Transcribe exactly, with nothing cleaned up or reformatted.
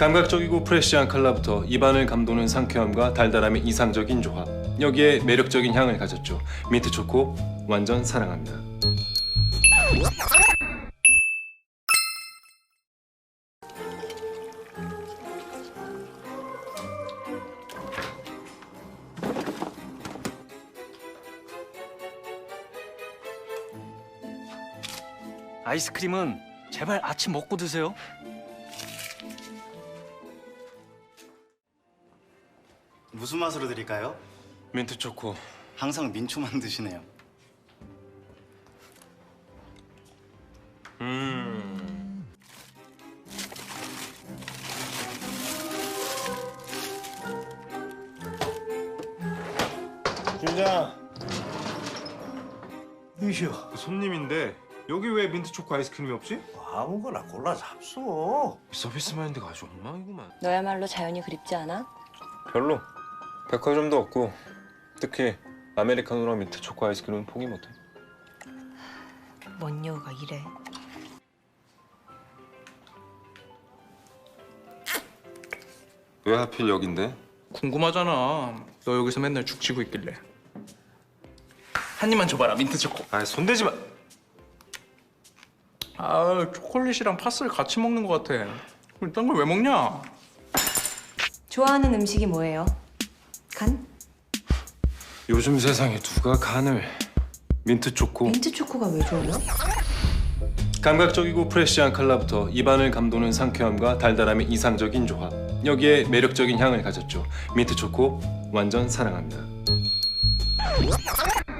감각적이고 프레시한 컬러부터 입안을 감도는 상쾌함과 달달함의 이상적인 조합. 여기에 매력적인 향을 가졌죠. 민트 초코 완전 사랑합니다. 아이스크림은 제발 아침 먹고 드세요. 무슨 맛으로 드릴까요? 민트 초코. 항상 민초만 드시네요. 음. 주장. 이시여. 손님인데 여기 왜 민트 초코 아이스크림이 없지? 아무거나 골라 잡수. 서비스 마인드가 아주 엉망이구만. 너야말로 자연이 그립지 않아? 별로. 백화점도 없고 특히 아메리카노랑 민트 초코 아이스크림은 포기 못해. 뭔 여우가 이래. 왜 하필 여긴데? 궁금하잖아. 너 여기서 맨날 죽치고 있길래. 한 입만 줘봐라, 민트 초코. 아 손대지 마. 아, 초콜릿이랑 파스를 같이 먹는 것 같아. 이딴 걸 왜 먹냐? 좋아하는 음식이 뭐예요? 간? 요즘 세상에 누가 간을. 민트 초코. 민트 초코가 왜 좋아요? 감각적이고 프레시한 컬러부터 입안을 감도는 상쾌함과 달달함의 이상적인 조합. 여기에 매력적인 향을 가졌죠. 민트 초코 완전 사랑합니다.